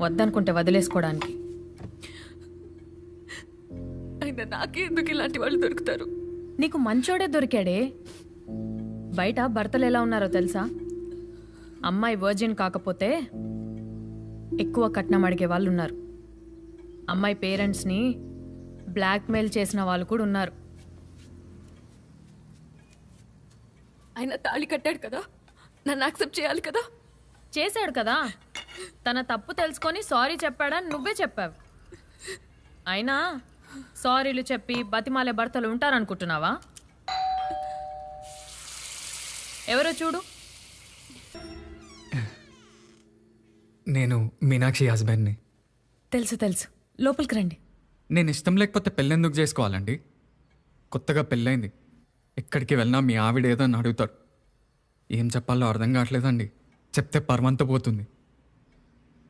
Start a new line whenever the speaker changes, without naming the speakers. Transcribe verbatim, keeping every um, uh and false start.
వద్దనుకుంటే వదిలేసుకోవడానికి.
అయినా నాకే ఎందుకు ఇలాంటి వాళ్ళు దొరుకుతారు?
నీకు మంచోడే దొరికాడే. బయట భర్తలు ఎలా ఉన్నారో తెలుసా? అమ్మాయి వర్జిన్ కాకపోతే ఎక్కువ కట్నం అడిగే వాళ్ళు ఉన్నారు. అమ్మాయి పేరెంట్స్ని బ్లాక్మెయిల్ చేసిన వాళ్ళు కూడా ఉన్నారు.
ఆయన తాళి కట్టాడు కదా, నన్ను యాక్సెప్ట్ చేయాలి కదా.
చేశాడు కదా, తన తప్పు తెలుసుకొని సారీ చెప్పాడని నువ్వే చెప్పావు. అయినా సారీలు చెప్పి బతిమాలే భర్తలు ఉంటారనుకుంటున్నావా? ఎవరో చూడు.
నేను మీనాక్షి హస్బెండ్ని.
తెలుసు తెలుసు, లోపలికి రండి.
నేను ఇష్టం లేకపోతే పెళ్ళెందుకు చేసుకోవాలండి? కొత్తగా పెళ్ళైంది, ఎక్కడికి వెళ్ళినా మీ ఆవిడ ఏదో అని అడుగుతారు. ఏం చెప్పాలో అర్థం కావట్లేదండి. చెప్తే పర్వంత పోతుంది.